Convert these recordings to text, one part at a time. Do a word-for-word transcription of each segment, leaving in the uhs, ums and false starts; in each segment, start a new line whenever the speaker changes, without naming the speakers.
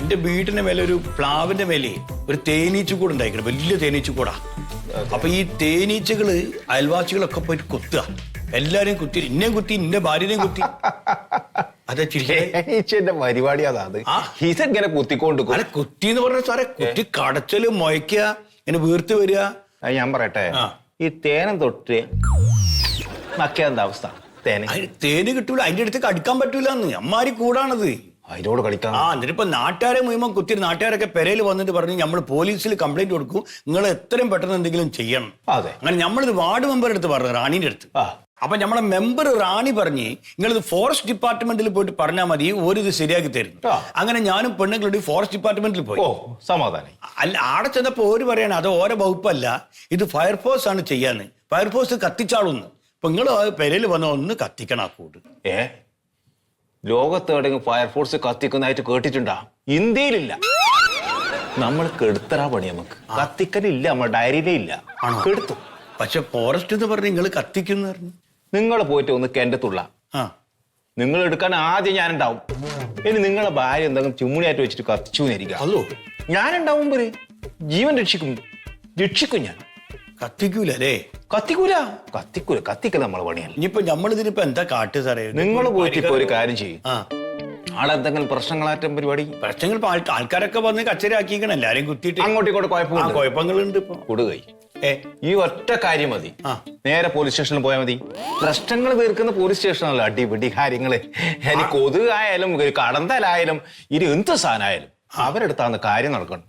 എന്റെ വീടിന്റെ മേലെ ഒരു പ്ലാവിന്റെ മേലെ ഒരു തേനീച്ചക്കൂട് ഉണ്ടായിരിക്കണം, വലിയ തേനീച്ചക്കൂടാ. അപ്പൊ ഈ തേനീച്ചകള് അയൽവാസികളൊക്കെ പോയിട്ട് കൊത്തുക, എല്ലാരെയും കുത്തി, ഇന്നേം കുത്തി, ഇന്നെ ഭാര്യനെയും കുത്തി. അതെ
തേനീച്ചന്റെ പരിപാടി അതാണ്. ഇതെങ്ങനെ കുത്തിക്കൊണ്ട്
അല്ല കുത്തി എന്ന് പറഞ്ഞ സാറേ, കുത്തി കടച്ചല് മൊയ്ക്കുക, ഇങ്ങനെ വീർത്ത് വരിക.
ഞാൻ പറയട്ടെ, ഈ തേനം തൊട്ട് മക്കിയ എന്താ അവസ്ഥ? തേന്
തേന് കിട്ടൂല, അതിന്റെ അടുത്ത് കടിക്കാൻ പറ്റൂല എന്ന് അമ്മാരി കൂടാണത്.
അതിനോട് കളിക്കാം.
ആ എന്നിട്ട് ഇപ്പൊ നാട്ടുകാരെ മുഴുവൻ കുത്തി, നാട്ടുകാരൊക്കെ പെരയിൽ വന്നിട്ട് പറഞ്ഞു നമ്മൾ പോലീസിൽ കംപ്ലൈന്റ് കൊടുക്കും, നിങ്ങൾ എത്രയും പെട്ടെന്ന് എന്തെങ്കിലും ചെയ്യണം.
അതെ,
അങ്ങനെ നമ്മളിത് വാർഡ് മെമ്പറുടെ അടുത്ത് പറഞ്ഞു, റാണിന്റെ അടുത്ത്. അപ്പൊ നമ്മളെ മെമ്പർ റാണി പറഞ്ഞ് നിങ്ങളിത് ഫോറസ്റ്റ് ഡിപ്പാർട്ട്മെന്റിൽ പോയിട്ട് പറഞ്ഞാൽ മതി, ഓരിത് ശരിയാക്കി തരുന്നു. അങ്ങനെ ഞാനും പെണ്ണുങ്ങളുടെ ഫോറസ്റ്റ് ഡിപ്പാർട്ട്മെന്റിൽ പോയി.
സമാധാനം.
അല്ല, ആടെ ചെന്നപ്പോ ഓര് പറയാണ് അത് ഓരോ വകുപ്പല്ല, ഇത് ഫയർഫോഴ്സ് ആണ് ചെയ്യാന്ന്, ഫയർഫോഴ്സ് കത്തിച്ചാളൂന്ന്. അപ്പൊ നിങ്ങൾ പെരയിൽ വന്ന ഒന്ന് കത്തിക്കണം ആ കൂട്.
ഏ ലോകത്ത് എവിടെയെങ്കിലും ഫയർഫോഴ്സ് കത്തിക്കുന്നതായിട്ട് കേട്ടിട്ടുണ്ടാ? ഇന്ത്യയിലില്ല. നമ്മൾ കെടുത്തറാ പണി, നമുക്ക് കത്തിക്കലില്ല, നമ്മുടെ ഡയറിയിലേ ഇല്ല. കെടുത്തു.
പക്ഷെ ഫോറസ്റ്റ് എന്ന് പറഞ്ഞ് നിങ്ങൾ കത്തിക്കുന്ന പറഞ്ഞു.
നിങ്ങൾ പോയിട്ട് ഒന്ന് കെണ്ടത്തുള്ള നിങ്ങൾ എടുക്കാൻ ആദ്യം ഞാനുണ്ടാവും. ഇനി നിങ്ങളെ ഭാര്യ എന്തെങ്കിലും ചുമ്മുണിയായിട്ട് വെച്ചിട്ട് കത്തിച്ചു എന്നിരിക്കാം.
അതോ
ഞാനുണ്ടാവും, ജീവൻ രക്ഷിക്കും, രക്ഷിക്കും ഞാൻ.
കത്തിക്കൂല അല്ലേ?
കത്തിക്കൂല, കത്തിക്കൂല, കത്തിക്കല നമ്മളെ പണിയല്ല.
ഇനിയിപ്പോ നമ്മളിതിനിപ്പോ എന്താ കാട്ട് സാറേ?
നിങ്ങൾ പോയിട്ട് ഇപ്പൊ ഒരു കാര്യം ചെയ്യും, ആളെ എന്തെങ്കിലും പ്രശ്നങ്ങളാറ്റം പരിപാടി
പ്രശ്നങ്ങൾ ആൾക്കാരൊക്കെ വന്ന് കച്ചരാക്കിക്കണം, എല്ലാരെയും കുത്തിയിട്ട്
അങ്ങോട്ടും ഇങ്ങോട്ട് കുഴപ്പമില്ല,
കുഴപ്പങ്ങളുണ്ട് ഇപ്പൊ.
കൊടുകൈ ഈ ഒറ്റ കാര്യം മതി, നേരെ പോലീസ് സ്റ്റേഷനിൽ പോയാൽ മതി. പ്രശ്നങ്ങൾ തീർക്കുന്ന പോലീസ് സ്റ്റേഷനല്ല, അടിപിടി കാര്യങ്ങള്. ഇനി കൊതുകായാലും കടന്തലായാലും ഇനി എന്ത് സാധനമായാലും അവരെടുത്താന്ന് കാര്യം നടക്കണം.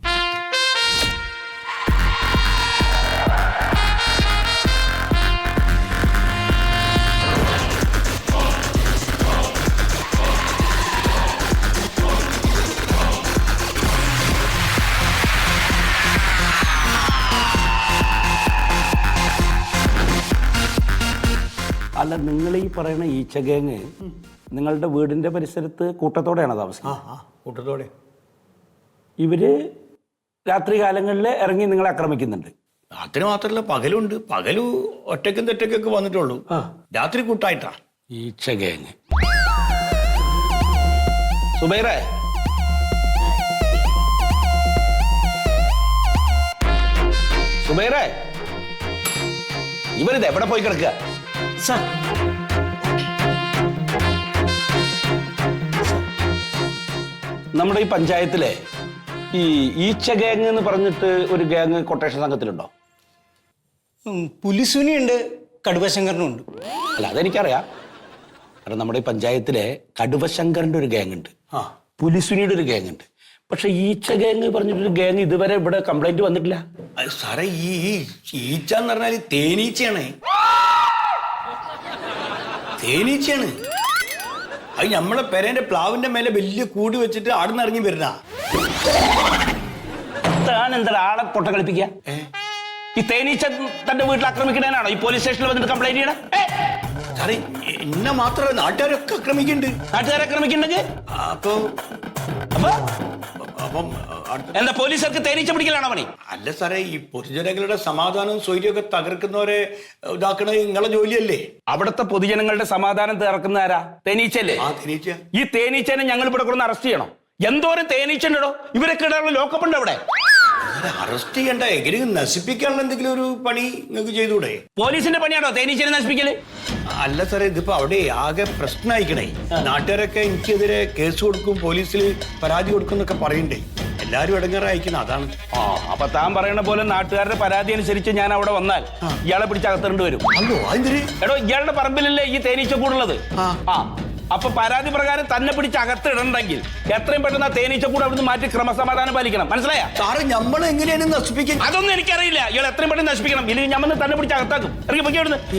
അല്ല, നിങ്ങൾ ഈ പറയുന്ന ഈച്ച ഗാങ് നിങ്ങളുടെ വീടിന്റെ പരിസരത്ത് കൂട്ടത്തോടെയാണ് താമസിക്കുന്നത്?
കൂട്ടത്തോടെ.
ഇവര് രാത്രി കാലങ്ങളിൽ ഇറങ്ങി നിങ്ങളെ ആക്രമിക്കുന്നുണ്ട്?
രാത്രി മാത്രല്ല, പകലുണ്ട്. പകലു ഒറ്റക്കും തെറ്റക്കൊക്കെ വന്നിട്ടുള്ളൂ, രാത്രി കൂട്ടായിട്ടാ.
ഈച്ച ഗാങ്. സുബൈറേ, സുബൈറേ, ഇവരിത് എവിടെ പോയി കിടക്കുക? നമ്മുടെ ഈ പഞ്ചായത്തിലെ ഈ ഈച്ച ഗാങ് എന്ന് പറഞ്ഞിട്ട് ഒരു ഗാങ് കൊട്ടേഷൻ സംഘത്തിലുണ്ടോ?
പുലിസുനിയുണ്ട്, കടുവശങ്കരനുണ്ട്.
അല്ല, അതെനിക്കറിയാം. കാരണം നമ്മുടെ ഈ പഞ്ചായത്തിലെ കടുവശങ്കറിന്റെ ഒരു ഗാങ് ഉണ്ട്, പുലിസുനിയുടെ ഒരു ഗാങ് ഉണ്ട്. പക്ഷെ ഈച്ച ഗാങ് പറഞ്ഞിട്ടൊരു ഗാങ് ഇതുവരെ ഇവിടെ കംപ്ലൈന്റ് വന്നിട്ടില്ല.
സാറേ, ഈ ഈച്ച എന്ന് പറഞ്ഞാൽ തേനീച്ചയാണ്, തേനീച്ചയാണ്. അത് നമ്മളെ പെരേന്റെ പ്ലാവിന്റെ മേലെ വലിയ കൂടി വെച്ചിട്ട് ആടുന്ന് ഇറങ്ങി വരുന്ന.
എന്താ ആളെ പൊട്ട കളിപ്പിക്കുക? ഈ തേനീച്ച തന്റെ വീട്ടിൽ ആക്രമിക്കണേനാണോ ഈ പോലീസ് സ്റ്റേഷനിൽ വന്നിട്ട് കംപ്ലൈന്റ് ചെയ്യണം?
സാറേ, എന്നെ മാത്രമല്ല നാട്ടുകാരൊക്കെ ആക്രമിക്കുന്നുണ്ട്.
നാട്ടുകാരെ ആക്രമിക്കുന്നുണ്ടെങ്കിൽ
അപ്പൊ
അപ്പൊ
അപ്പം
എന്താ പോലീസുകാർക്ക് തേനീച്ച പിടിക്കലാണോ പണി?
അല്ല സാറേ, ഈ പൊതുജനങ്ങളുടെ സമാധാനവും സ്വൈര്യമൊക്കെ തകർക്കുന്നവരെ ഇതാക്കണത് നിങ്ങളെ ജോലിയല്ലേ?
അവിടുത്തെ പൊതുജനങ്ങളുടെ സമാധാനം തകർക്കുന്ന ആരാ? തേനീച്ചല്ലേ?
ആ തേനീച്ച.
ഈ തേനീച്ചനെ ഞങ്ങൾ ഇവിടെ കൊണ്ടുവന്ന് അറസ്റ്റ് ചെയ്യണം. എന്തോരം തേനീച്ചണ്ടോ ഇവരൊക്കെ ഇടാനുള്ള ലോക്കപ്പ് ഉണ്ട് അവിടെ.
അറസ്റ്റ് ചെയ്യണ്ട, എങ്ങനെയും നശിപ്പിക്കാനുള്ള എന്തെങ്കിലും ഒരു പണി നിങ്ങൾക്ക് ചെയ്തൂടെ?
പോലീസിന്റെ പണിയാണോ തേനീച്ചനെ നശിപ്പിക്കല്?
അല്ല സാറേ, ഇതിപ്പോ അവിടെ ആകെ പ്രശ്നമായിക്കണേ. നാട്ടുകാരൊക്കെ എനിക്കെതിരെ കേസ് കൊടുക്കും, പോലീസിൽ പരാതി കൊടുക്കും എന്നൊക്കെ പറയണ്ടേ. എല്ലാരും ഇടങ്ങാറായിക്കണം, അതാണ്.
ആ അപ്പൊ താൻ പറയണ പോലെ നാട്ടുകാരുടെ പരാതി അനുസരിച്ച് ഞാൻ അവിടെ വന്നാൽ ഇയാളെ പിടിച്ച് അകത്തിരണ്ട് വരും. എടോ, ഇയാളുടെ പറമ്പിലല്ലേ ഈ തേനീച്ച കൂടുള്ളത്? ആ അപ്പൊ പരാതി പ്രകാരം തന്നെ പിടിച്ച് അകത്തിടണ്ടെങ്കിൽ എത്രയും പെട്ടെന്ന് ആ തേനീച്ച കൂടെ അവിടുന്ന് മാറ്റി ക്രമസമാധാനം പാലിക്കണം. മനസ്സിലായ?
സാറ് നമ്മൾ എങ്ങനെയാണ് നശിപ്പിക്കുന്നത്?
അതൊന്നും എനിക്കറിയില്ല. ഇയാൾ എത്രയും പെട്ടെന്ന് നശിപ്പിക്കണം, ഇല്ലെങ്കിൽ ഞാൻ തന്നെ പിടിച്ച് അകത്താക്കും. ഇറങ്ങി പൊക്കി അവിടുന്ന്.